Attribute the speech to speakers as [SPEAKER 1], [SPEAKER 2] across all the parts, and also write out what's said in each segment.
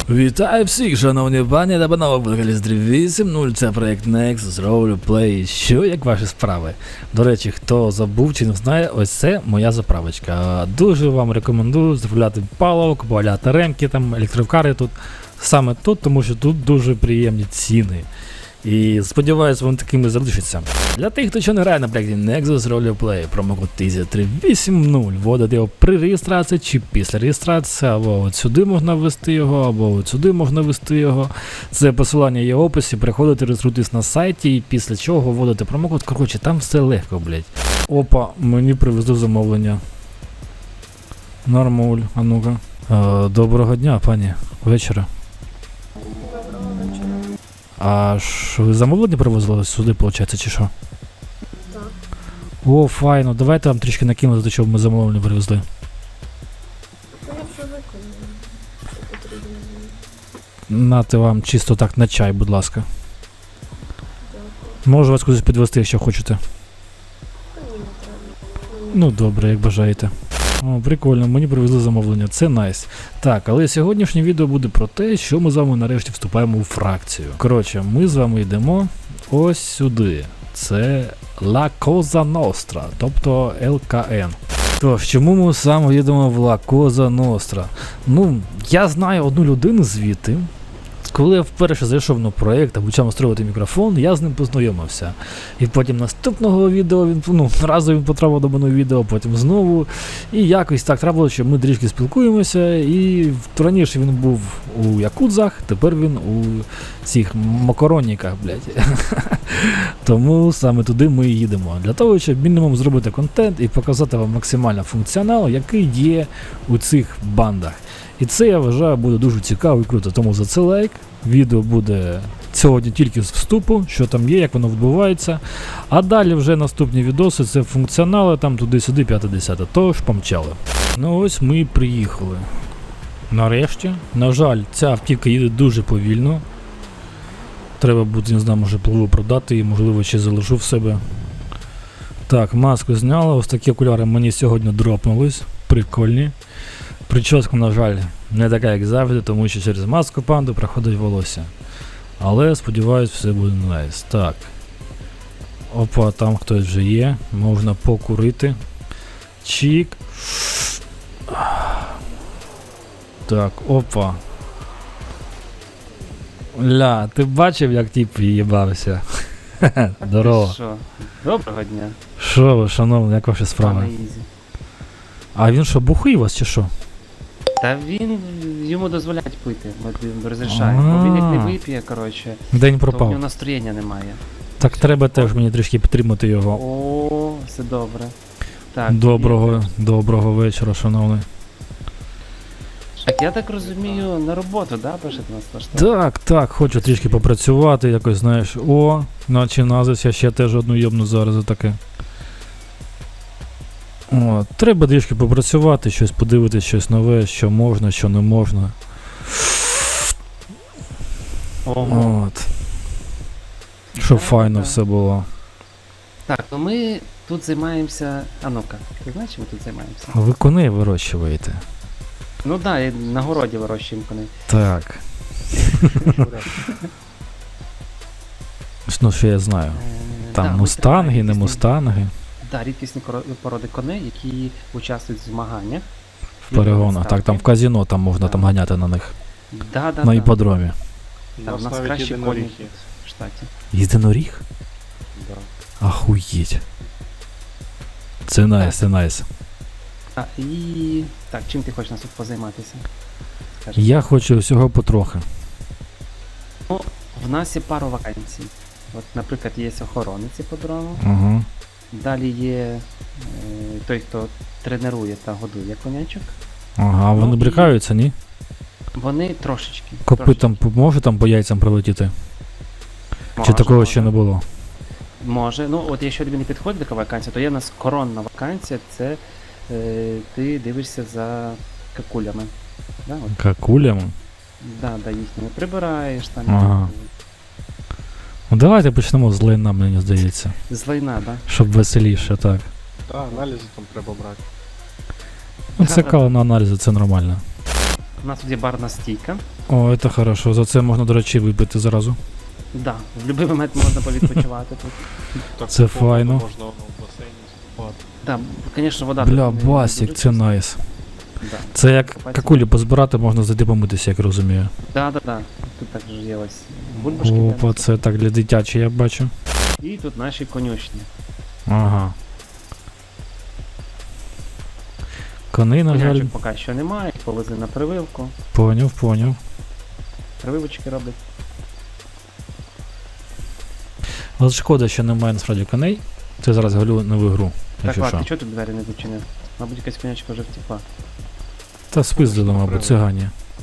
[SPEAKER 1] Вітаю всіх, шановні пані та панове, Подкаліст 8.0, це проєкт Nexus Roleplay. Що, як ваші справи? До речі, хто забув чи не знає, ось це моя заправочка. Дуже вам рекомендую заправляти паливо, купувати ремки, там, електрокари тут. Саме тут, тому що тут дуже приємні ціни. І сподіваюся, вони такими залишаться. Для тих, хто ще не грає на проєкті Nexus Roleplay, промокод TIZY380, вводити його при реєстрації чи після реєстрації, або от сюди можна ввести його, або от сюди можна ввести його. Це посилання є в описі, приходите, реєструйтесь на сайті і після чого вводите промокод. Коротше, там все легко, блять. Опа, мені привезли замовлення. Нормуль, а ну-ка. Доброго дня, пані. Вечора. А ж ви замовлення привозили сюди, виходить, чи що?
[SPEAKER 2] Так.
[SPEAKER 1] О, файно, давайте вам трішки накинути, до чого ми замовлення привезли.
[SPEAKER 2] Я вже виконую. Що потрібно.
[SPEAKER 1] Нате вам чисто так на чай, будь ласка.
[SPEAKER 2] Дякую.
[SPEAKER 1] Можу вас кудись підвести, якщо хочете.
[SPEAKER 2] Та ні, не треба.
[SPEAKER 1] Ну добре, як бажаєте. О, прикольно, мені привезли замовлення, це найс. Так, але сьогоднішнє відео буде про те, що ми з вами нарешті вступаємо у фракцію. Коротше, ми з вами йдемо ось сюди. Це La Cosa Nostra, тобто ЛКН. Тож, чому ми саме їдемо в La Cosa Nostra? Ну, я знаю одну людину звідти. Коли я вперше зайшов на проєкт та почав настроювати мікрофон, я з ним познайомився. І потім наступного відео разом він потрапив до мене відео, потім знову. І якось так трапилося, що ми трішки спілкуємося. І раніше він був у якудзах, тепер він у цих макаронниках, блядь. Тому саме туди ми і їдемо. Для того, щоб мінімум зробити контент і показати вам максимально функціонал, який є у цих бандах. І це, я вважаю, буде дуже цікаво і круто, тому за це лайк. Відео буде сьогодні тільки з вступу, що там є, як воно відбувається. А далі вже наступні відоси, це функціонали, там туди-сюди, 5-10. Тож, помчали. Ну ось ми і приїхали. Нарешті. На жаль, ця автівка їде дуже повільно. Треба буде, не знаю, може пливу продати і, можливо, ще залишу в себе. Так, маску зняла, ось такі окуляри мені сьогодні дропнулись. Прикольні. Прическа, на жаль, не така, як завжди, тому що через маску панду проходить волосся. Але, сподіваюсь, все буде найс. Так. Опа, там хтось вже є. Можна покурити. Чік. Так, опа. Ля, ти бачив, як тип їбався? Здорово.
[SPEAKER 3] Що? Доброго дня.
[SPEAKER 1] Що ви, шановні, як ваші справи?
[SPEAKER 3] Пане Ізі.
[SPEAKER 1] А він що, бухий у вас чи що?
[SPEAKER 3] Та йому дозволяють пити, розрішає. Бо він як не вип'є, коротше,
[SPEAKER 1] День
[SPEAKER 3] то в
[SPEAKER 1] пропав.
[SPEAKER 3] нього настроєння немає.
[SPEAKER 1] Так треба теж мені трішки підтримати його.
[SPEAKER 3] О, все добре. Так,
[SPEAKER 1] Доброго вечора, шановний.
[SPEAKER 3] Так, я так розумію, на роботу, да, пишете нас влаштовувати?
[SPEAKER 1] Так, хочу трішки попрацювати, якось, знаєш, наче назис, я ще теж одну йобну зараз за таке. О, треба трішки попрацювати, щось подивитися, щось нове, що можна, що не можна.
[SPEAKER 3] Ого.
[SPEAKER 1] От. Щоб
[SPEAKER 3] Да,
[SPEAKER 1] файно
[SPEAKER 3] да.
[SPEAKER 1] все було.
[SPEAKER 3] Так, ну ми тут займаємося. А ну-ка, ти знаєш, чим ми тут займаємося?
[SPEAKER 1] Ви коней вирощуєте?
[SPEAKER 3] Ну так, да, і на городі вирощуємо коней.
[SPEAKER 1] Так. Ну, що я знаю. Там
[SPEAKER 3] Да, ми
[SPEAKER 1] мустанги, не
[SPEAKER 3] тримаємо
[SPEAKER 1] мустанги.
[SPEAKER 3] Так, рідкісні породи коней, які участвують в змаганнях.
[SPEAKER 1] В перегонах. Так, там в казино там можна
[SPEAKER 3] Да.
[SPEAKER 1] там ганяти на них.
[SPEAKER 3] Да.
[SPEAKER 1] На іпподромі.
[SPEAKER 3] Там у нас кращі коні в штаті.
[SPEAKER 1] Єдиноріг? Ахуєть. Це найс, це найс.
[SPEAKER 3] А, і... Так, чим ти хочеш нас тут позайматися? Скажи.
[SPEAKER 1] Я хочу всього потрохи.
[SPEAKER 3] Ну, в нас є пару вакансій. От, наприклад, є охоронець іпподрому.
[SPEAKER 1] Угу.
[SPEAKER 3] Далі є той, хто тренує та годує конячок.
[SPEAKER 1] Ага, а вони
[SPEAKER 3] Ну, і-
[SPEAKER 1] брикаються, ні?
[SPEAKER 3] Вони трошечки.
[SPEAKER 1] Копитом може там по яйцям прилетіти? Чи такого ще не було?
[SPEAKER 3] Може. Ну, от якщо тобі не підходить така вакансія, то є в нас коронна вакансія, це ти дивишся за какулями. Да, от.
[SPEAKER 1] Какулям?
[SPEAKER 3] Да, їхніми прибираєш там.
[SPEAKER 1] Ага. Ну давайте почнемо з лайна, мені здається.
[SPEAKER 3] З лайна, да?
[SPEAKER 1] Щоб веселіше, так.
[SPEAKER 4] Так, аналізи там треба брати.
[SPEAKER 1] Ну це кало на аналізи, це нормально.
[SPEAKER 3] у нас тут є барна стійка.
[SPEAKER 1] О, це хорошо. За це можна, до речі, випити зразу.
[SPEAKER 3] Да, в будь-який момент можна повідпочивати тут.
[SPEAKER 4] Так,
[SPEAKER 1] Це
[SPEAKER 4] по поводу
[SPEAKER 1] файно.
[SPEAKER 4] Можна в басейні спати.
[SPEAKER 3] Да, звісно, вода.
[SPEAKER 1] Бля,
[SPEAKER 3] тут не
[SPEAKER 1] басік,
[SPEAKER 3] дуже
[SPEAKER 1] це
[SPEAKER 3] чиста.
[SPEAKER 1] найс.
[SPEAKER 3] Да.
[SPEAKER 1] Це як
[SPEAKER 3] Копатися.
[SPEAKER 1] какулі позбирати, можна зайти помитися, як розумію.
[SPEAKER 3] Да. Тут також є ось бульбашки.
[SPEAKER 1] Опа, це так для дитячі, я бачу.
[SPEAKER 3] І тут наші конюшні.
[SPEAKER 1] Ага. Коней, на жаль,
[SPEAKER 3] Конячок поки що немає, повезли на прививку.
[SPEAKER 1] поняв.
[SPEAKER 3] Прививочки роблять.
[SPEAKER 1] Але шкода, що немає насправді коней. Це зараз галю нову гру,
[SPEAKER 3] Так,
[SPEAKER 1] якщо
[SPEAKER 3] ладно,
[SPEAKER 1] що.
[SPEAKER 3] ти чого тут двері не зачинив? Мабуть, якась конячка вже втекла.
[SPEAKER 1] Та спиздили, мабуть, цигані.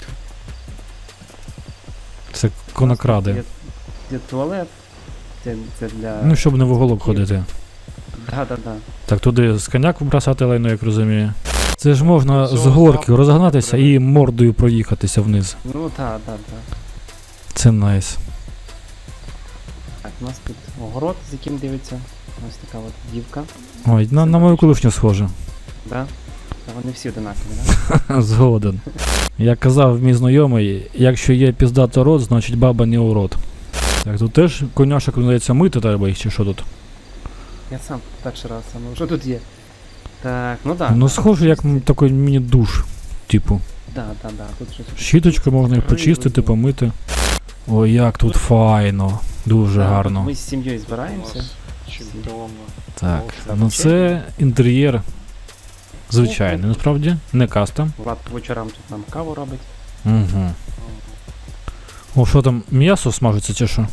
[SPEAKER 1] Це конокради.
[SPEAKER 3] Є туалет. Це для...
[SPEAKER 1] Ну, щоб не в оголок ходити.
[SPEAKER 3] Да.
[SPEAKER 1] Так туди з коняк бросати лайно, як розумію. Це ж можна з
[SPEAKER 4] Цього
[SPEAKER 1] горки
[SPEAKER 4] завтра
[SPEAKER 1] розгнатися
[SPEAKER 4] треба.
[SPEAKER 1] і мордою проїхатися вниз.
[SPEAKER 3] Ну, да.
[SPEAKER 1] Це найс.
[SPEAKER 3] Так, у нас тут огород, з яким дивиться. Ось така от дівка.
[SPEAKER 1] Ой, на мою колишню схоже.
[SPEAKER 3] Да? Та вони всі одинакові, да?
[SPEAKER 1] Згоден. Як казав мій знайомий, якщо є піздато рот, значить баба не урод. Так, тут теж коняшок, здається, мити треба їх чи що тут?
[SPEAKER 3] Я сам перший раз саме. Що тут є? Так, ну да.
[SPEAKER 1] Ну
[SPEAKER 3] да,
[SPEAKER 1] схоже, як
[SPEAKER 3] чисті.
[SPEAKER 1] такий міні-душ, типу.
[SPEAKER 3] Да. Тут щось.
[SPEAKER 1] Щіточкою можна їх почистити, помити. Ой, як тут файно. Дуже
[SPEAKER 3] Да,
[SPEAKER 1] гарно.
[SPEAKER 3] Ми з сім'єю
[SPEAKER 4] У
[SPEAKER 3] збираємося.
[SPEAKER 4] нас чемпіон.
[SPEAKER 1] Так,
[SPEAKER 3] Да,
[SPEAKER 1] ну це інтер'єр звичайний, насправді, не кастом.
[SPEAKER 3] Влад по вечорам тут нам каву робить.
[SPEAKER 1] Угу. О, що там, м'ясо смажиться чи що?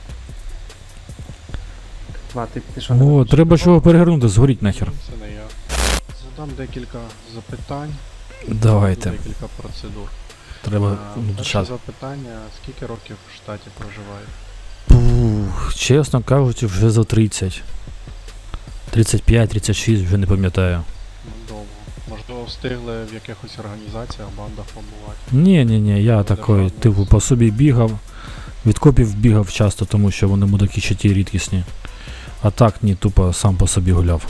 [SPEAKER 3] Влад, ти що не
[SPEAKER 1] О,
[SPEAKER 3] робиш?
[SPEAKER 1] треба чого перегорнути, згоріть нахер.
[SPEAKER 4] Це не я. Задам декілька запитань.
[SPEAKER 1] Давайте,
[SPEAKER 4] Декілька процедур.
[SPEAKER 1] треба
[SPEAKER 4] Перше
[SPEAKER 1] час.
[SPEAKER 4] запитання, скільки років в штаті проживає?
[SPEAKER 1] Пух, чесно кажучи, вже за 30. 35, 36, вже не пам'ятаю.
[SPEAKER 4] Довго. Можливо, встигли в якихось організаціях, бандах побувати.
[SPEAKER 1] Ні, я такий, типу, по собі бігав. Від копів бігав часто, тому що вони мудаки ще ті рідкісні. А так ні, тупо сам по собі гуляв.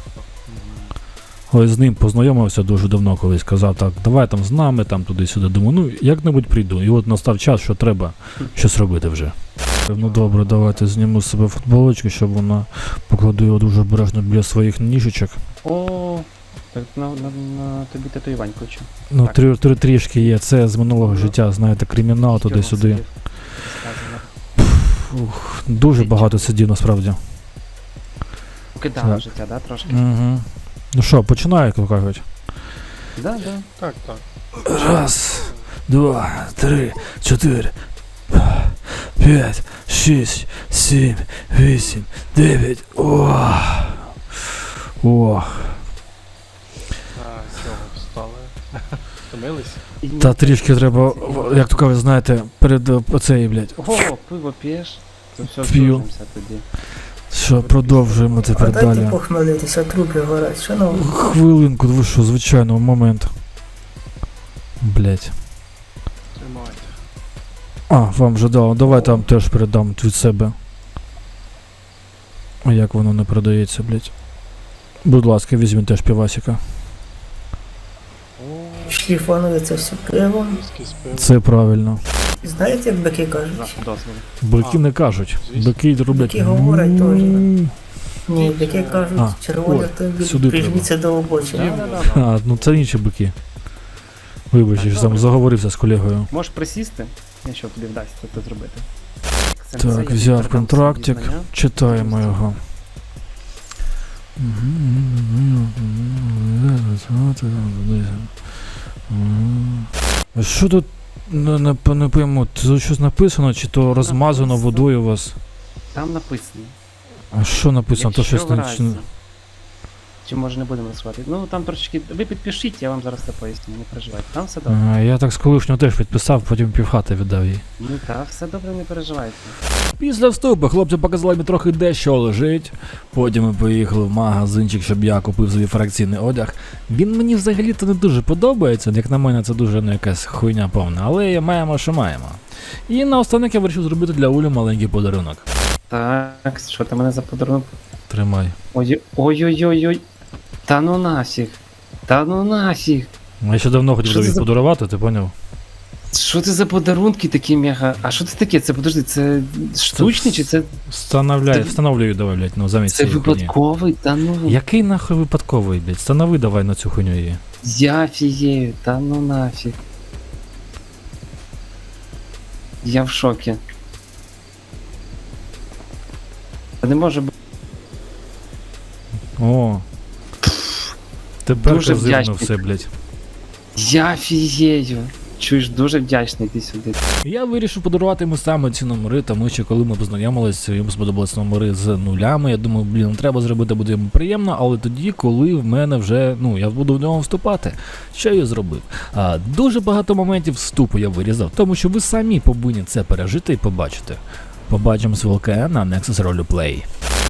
[SPEAKER 1] Ось з ним познайомився дуже давно, колись казав, так, давай там з нами, там туди-сюди. Думаю, ну як-небудь прийду. І от настав час, що треба щось робити вже. Ну добре, давайте зніму з себе футболочку, щоб вона покладу його дуже обережно біля своїх ніжечок.
[SPEAKER 3] О, так на тобі татуювань хочу.
[SPEAKER 1] Ну,
[SPEAKER 3] Так.
[SPEAKER 1] трішки є, це з минулого життя, знаєте, кримінал туди-сюди. Ух, дуже багато сидів насправді.
[SPEAKER 3] Кидала
[SPEAKER 1] Так.
[SPEAKER 3] життя, да, трошки?
[SPEAKER 1] Угу. Ну що, починаю, як кажуть.
[SPEAKER 3] Да.
[SPEAKER 4] Так.
[SPEAKER 1] Раз, два, три, чотири, 5, 6, 7, 8, 9. Ох.
[SPEAKER 4] Чого встали? Втомились?
[SPEAKER 3] І
[SPEAKER 1] Та трішки треба, як то кажуть, знаєте, перед оцею, блядь.
[SPEAKER 3] Ого, пиво п'єш? То все,
[SPEAKER 1] П'ю.
[SPEAKER 3] здружимося тоді.
[SPEAKER 1] Що, продовжуємо тепер
[SPEAKER 5] Дайте
[SPEAKER 1] далі.
[SPEAKER 5] похмелитися, трупи горять, шановні.
[SPEAKER 1] Хвилинку, ви що, звичайно, момент. Блять.
[SPEAKER 4] Тримайте.
[SPEAKER 1] А, вам вже дав. Давайте вам теж передам від себе. А як воно не продається, блять. Будь ласка, візьміть теж півасика.
[SPEAKER 4] О,
[SPEAKER 5] Шліфанули це все пивом.
[SPEAKER 4] віскі з пивом.
[SPEAKER 1] Це правильно.
[SPEAKER 5] Знаєте, як бики
[SPEAKER 3] За
[SPEAKER 5] кажуть?
[SPEAKER 3] дозволу.
[SPEAKER 1] Бики не кажуть.
[SPEAKER 4] звісно.
[SPEAKER 1] Бики роблять.
[SPEAKER 5] Бики говорять теж.
[SPEAKER 1] «М».
[SPEAKER 5] Ні, бики кажуть,
[SPEAKER 1] А,
[SPEAKER 5] червоні
[SPEAKER 1] ой,
[SPEAKER 5] автомобілі,
[SPEAKER 1] сюди
[SPEAKER 5] прижміться до обочини.
[SPEAKER 3] Да.
[SPEAKER 1] А, ну це інші бики. Вибач, я ж там
[SPEAKER 3] Добре.
[SPEAKER 1] заговорився з колегою.
[SPEAKER 3] Можеш присісти, якщо тобі вдасться це зробити.
[SPEAKER 1] Так, взяв контрактик, читаємо його. А що тут не пойму, тут щось написано, чи то розмазано водою у вас?
[SPEAKER 3] Там написано.
[SPEAKER 1] А що написано? То
[SPEAKER 3] Якщо
[SPEAKER 1] щось
[SPEAKER 3] в
[SPEAKER 1] не.
[SPEAKER 3] разі- Чи може не будемо розсувати? Ну там трошечки. Ви підпишіть, я вам зараз це поясню, не переживайте. Там все добре.
[SPEAKER 1] А, я так з колишнього теж підписав, потім півхати віддав їй.
[SPEAKER 3] Ну так, все добре, не переживайте.
[SPEAKER 1] Після вступу хлопці показали мені трохи де що лежить. Потім ми поїхали в магазинчик, щоб я купив собі фракційний одяг. Він мені взагалі-то не дуже подобається, як на мене це дуже якась хуйня повна, але маємо, що маємо. І наостанок я вирішив зробити для Улі маленький подарунок.
[SPEAKER 3] Так, що ти мене за подарунок?
[SPEAKER 1] Тримай.
[SPEAKER 3] Ой-ой-ой-ой. Та ну нафіг. Та ну нафіг.
[SPEAKER 1] Я ще давно хотів
[SPEAKER 3] Що це
[SPEAKER 1] тобі
[SPEAKER 3] за-
[SPEAKER 1] подарувати, ти поняв?
[SPEAKER 3] Що це за подарунки такі мега? А що це таке? Це подожди, це штучний чи це
[SPEAKER 1] Встановлюю давай, блядь, ну замість
[SPEAKER 3] це
[SPEAKER 1] цієї хуйні.
[SPEAKER 3] випадковий? Та ну
[SPEAKER 1] Який нахуй випадковий, блядь? Встанови давай на цю хуйню її.
[SPEAKER 3] я фією, та ну нафіг. Я в шокі. Та не може бути.
[SPEAKER 1] О. Тепер
[SPEAKER 3] Дуже
[SPEAKER 1] казивно
[SPEAKER 3] вдячний.
[SPEAKER 1] все, блядь.
[SPEAKER 3] Я фією. Чуєш, дуже вдячний, ти сюди.
[SPEAKER 1] Я вирішив подарувати йому саме ці номери, тому що коли ми познайомилися, йому сподобались номери з нулями. Я думаю, блін, треба зробити, буде йому приємно, але тоді, коли в мене вже, я буду в нього вступати. Що я зробив? Дуже багато моментів вступу я вирізав, тому що ви самі повинні це пережити і побачити. Побачимось в ЛКН на Nexus Roleplay.